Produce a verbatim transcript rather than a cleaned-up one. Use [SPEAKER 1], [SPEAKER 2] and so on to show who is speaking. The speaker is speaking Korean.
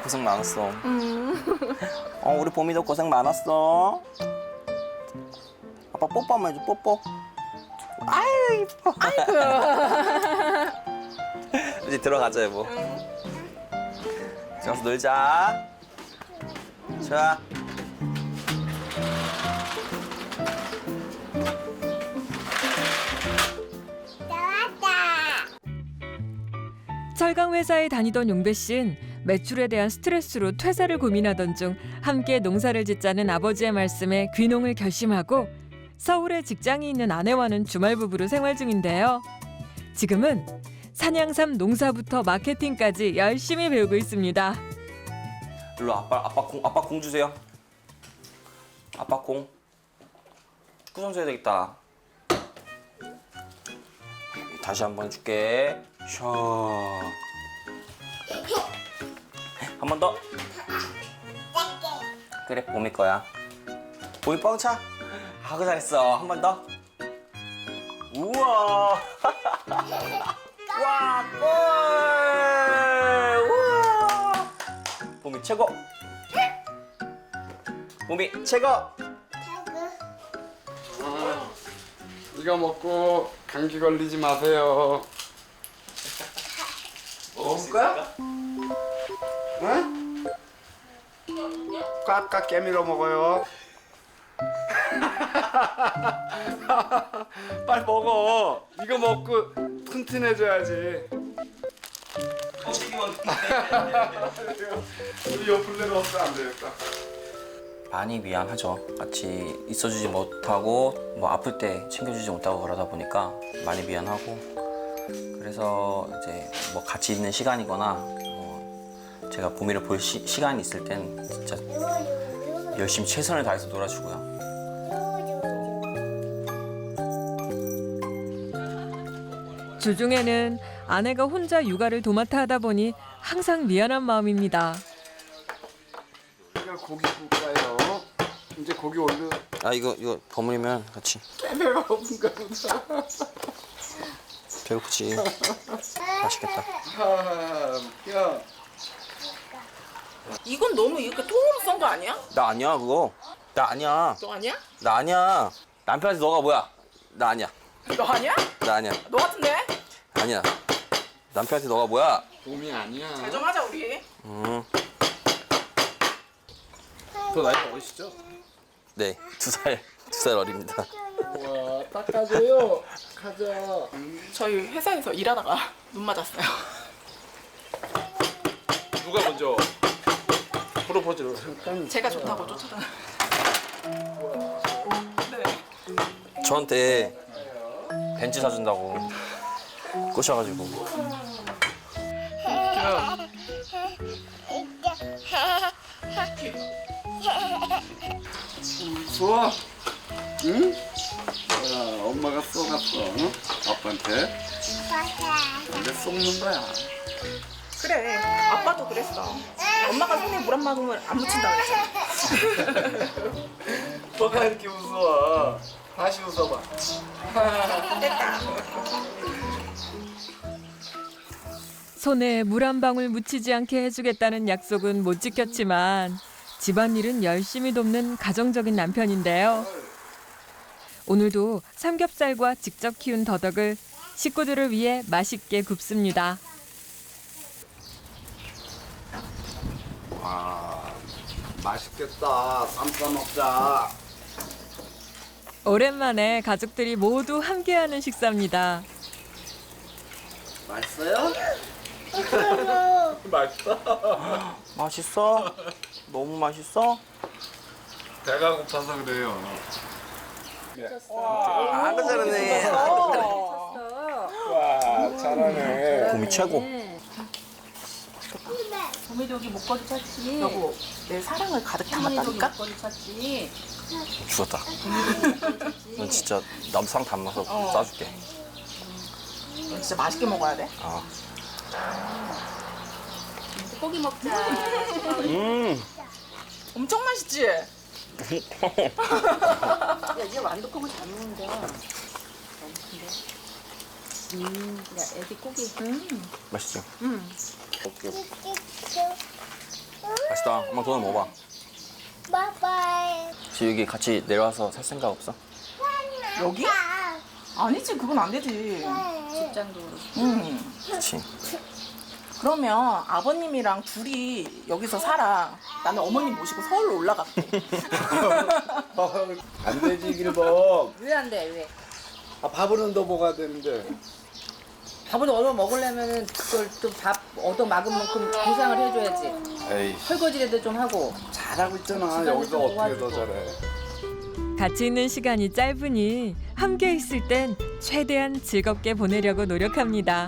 [SPEAKER 1] 고생 많았어. 어, 우리 봄이도 고생 많았어. 아빠 뽀뽀 한번 해줘, 뽀뽀. 아유, 이뻐.
[SPEAKER 2] 아이고.
[SPEAKER 1] 이제 들어가자, 여보. 가서 놀자. 좋아.
[SPEAKER 3] 철강 회사에 다니던 용배 씨는 매출에 대한 스트레스로 퇴사를 고민하던 중 함께 농사를 짓자는 아버지의 말씀에 귀농을 결심하고 서울에 직장이 있는 아내와는 주말 부부로 생활 중인데요. 지금은 산양삼 농사부터 마케팅까지 열심히 배우고 있습니다.
[SPEAKER 1] 일로 아빠 아빠 공 아빠 공 주세요. 아빠 공. 축구 선수 해야 되겠다. 다시 한 번 줄게. 샤. 한 번 더. 그래, 봄이 거야. 봄이 뻥차. 아, 그 잘했어. 한 번 더. 우와. 와, 골. 우와. 봄이 최고. 봄이 최고.
[SPEAKER 4] 이거 먹고 감기 걸리지 마세요. 먹을 거야? 응? 꽉꽉 깨밀어 먹어요. 빨리 먹어. 이거 먹고 튼튼해져야지. 우리 옆을 내려왔으면 안 되겠다.
[SPEAKER 1] 많이 미안하죠. 같이 있어주지 못하고 뭐 아플 때 챙겨주지 못하고 그러다 보니까 많이 미안하고, 그래서 이제 뭐 같이 있는 시간이거나 뭐 제가 봄이를 볼 시, 시간이 있을 땐 진짜 열심히 최선을 다해서 놀아주고요.
[SPEAKER 3] 주중에는 아내가 혼자 육아를 도맡아 하다 보니 항상 미안한 마음입니다.
[SPEAKER 4] 이거 고기 굽까요? 이제 고기 올려.
[SPEAKER 1] 아, 이거 이거 버무리면 같이.
[SPEAKER 4] 배가 고픈가 보다.
[SPEAKER 1] 배고프지. 맛있겠다.
[SPEAKER 4] 아, 야.
[SPEAKER 2] 이건 너무 이렇게 통으로 썬 거 아니야?
[SPEAKER 1] 나 아니야 그거. 나 아니야.
[SPEAKER 2] 너 아니야?
[SPEAKER 1] 나 아니야. 남편한테 너가 뭐야? 나 아니야.
[SPEAKER 2] 너 아니야?
[SPEAKER 1] 나 아니야.
[SPEAKER 2] 너 같은데?
[SPEAKER 1] 아니야. 남편한테 너가 뭐야?
[SPEAKER 4] 봄이 아니야.
[SPEAKER 2] 잘 좀 하자 우리.
[SPEAKER 1] 음.
[SPEAKER 4] 더 나이가 어리시죠?
[SPEAKER 1] 네, 두 살, 두 살 어립니다.
[SPEAKER 4] 와, 닦아줘요. 가자.
[SPEAKER 2] 저희 회사에서 일하다가 눈 맞았어요.
[SPEAKER 4] 누가 먼저 프로포즈를? 잠깐.
[SPEAKER 2] 제가 좋다고 쫓아다. 네.
[SPEAKER 1] 저한테 벤츠 사준다고 꼬셔가지고.
[SPEAKER 4] 좋아. 응? 야, 엄마가 쏘갔어. 응? 아빠한테. 근데 쏘는 거야.
[SPEAKER 2] 그래. 아빠도 그랬어. 엄마가 손에 물 한 방울 안 묻힌다 그랬잖아.
[SPEAKER 4] 뭐가 이렇게 웃어? 다시 웃어봐.
[SPEAKER 2] 됐다.
[SPEAKER 3] 손에 물 한 방울 묻히지 않게 해주겠다는 약속은 못 지켰지만 집안일은 열심히 돕는 가정적인 남편인데요. 오늘도 삼겹살과 직접 키운 더덕을 식구들을 위해 맛있게 굽습니다.
[SPEAKER 4] 와, 맛있겠다. 쌈 싸 먹자.
[SPEAKER 3] 오랜만에 가족들이 모두 함께하는 식사입니다.
[SPEAKER 4] 맛있어요? 맛있어.
[SPEAKER 1] 맛있어? 너무 맛있어?
[SPEAKER 4] 배가 고파서 그래요.
[SPEAKER 1] 아, 그 잘하네.
[SPEAKER 4] 와, 잘하네.
[SPEAKER 1] 봄이 최고.
[SPEAKER 5] 봄에도 여기 목걸이 찼지.
[SPEAKER 2] 여보, 내 사랑을 가득
[SPEAKER 5] 봄에도 여기
[SPEAKER 2] 담았다니까?
[SPEAKER 5] 목걸이 찼지.
[SPEAKER 1] 죽었다. 넌 진짜 나도 상 담아서
[SPEAKER 2] 어.
[SPEAKER 1] 싸줄게.
[SPEAKER 2] 너 진짜 맛있게 먹어야 돼.
[SPEAKER 1] 아.
[SPEAKER 5] 이제 고기 먹자.
[SPEAKER 1] 음.
[SPEAKER 2] 엄청 맛있지?
[SPEAKER 5] 야, 이제 완두콩을 잘 먹는다. 근데. 음, 야, 애기 고기.
[SPEAKER 2] 음.
[SPEAKER 1] 맛있죠?
[SPEAKER 2] 음.
[SPEAKER 1] 오케이. 맛있다. 엄마 돈을 먹어봐.
[SPEAKER 6] 바이바이.
[SPEAKER 1] 지금 여기 같이 내려와서 살 생각 없어?
[SPEAKER 2] 여기? 아니지, 그건 안 되지.
[SPEAKER 5] 직장도 그렇고.
[SPEAKER 2] 음.
[SPEAKER 1] 그렇지.
[SPEAKER 2] 그러면 아버님이랑 둘이 여기서 살아. 나는 어머님 모시고 서울로 올라갈게.
[SPEAKER 4] 안 되지 길범.
[SPEAKER 5] 왜 안 돼? 왜?
[SPEAKER 4] 아, 밥은 더 먹어야 되는데.
[SPEAKER 5] 밥을 얻어 먹으려면은 그걸 또 밥 얻어 막은 만큼 보상을 해줘야지.
[SPEAKER 4] 에이,
[SPEAKER 5] 설거지라도 좀 하고.
[SPEAKER 4] 잘하고 있잖아.
[SPEAKER 5] 집안일
[SPEAKER 4] 여기서
[SPEAKER 5] 좀
[SPEAKER 4] 어떻게 더
[SPEAKER 5] 도와주고.
[SPEAKER 4] 잘해?
[SPEAKER 3] 같이 있는 시간이 짧으니 함께 있을 땐 최대한 즐겁게 보내려고 노력합니다.